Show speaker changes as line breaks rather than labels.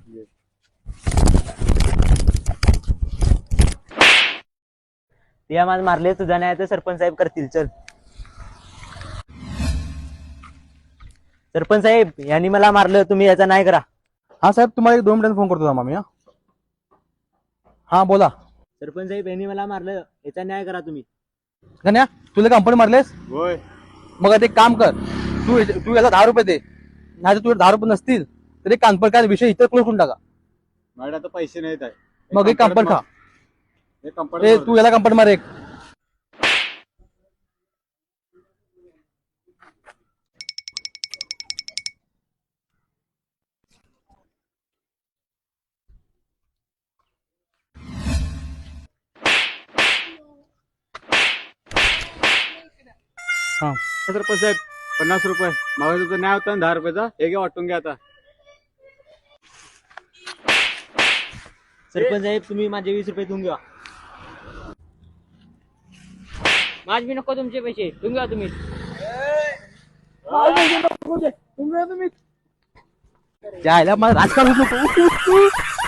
ते आम्हाला मारले, तुझा नाही तर सरपंच साहेब करतील. चल सरपंच साहेब, यांनी मला मारलं, तुम्ही याचा नाही करा.
हा साहेब, तुम्हाला एक 2 मिनिटांनी फोन करतो थांबा मी. हा बोला.
सरपंच साहेब, यांनी मला मारलं, याचा न्याय करा तुम्ही.
गण्या, तुला कंपनी मारलेस?
होय.
मग आता एक काम कर, तू याला 10 रुपये दे. नाही तर तुझे 10 रुपये नसतील तर एक कानपर काय विषय इतर क्लोज करून टाका.
माझ्याकडे आता पैसे नाहीत आहे.
मग एक कांपड खा.
एक कंपनी
तू याला कांपड मार एक. हा
सरपंच साहेब, 50 रुपये मागे तुझा न्याय होता ना 10 रुपयाचा, हे घ्या, वाटून घ्या आता.
सरपंच साहेब, तुम्ही माझे 20 रुपये देऊन घ्या.
माझ बी नको तुमचे पैसे, तुम्ही घ्या तुम्ही.
जायला मला राजकारण होत नको.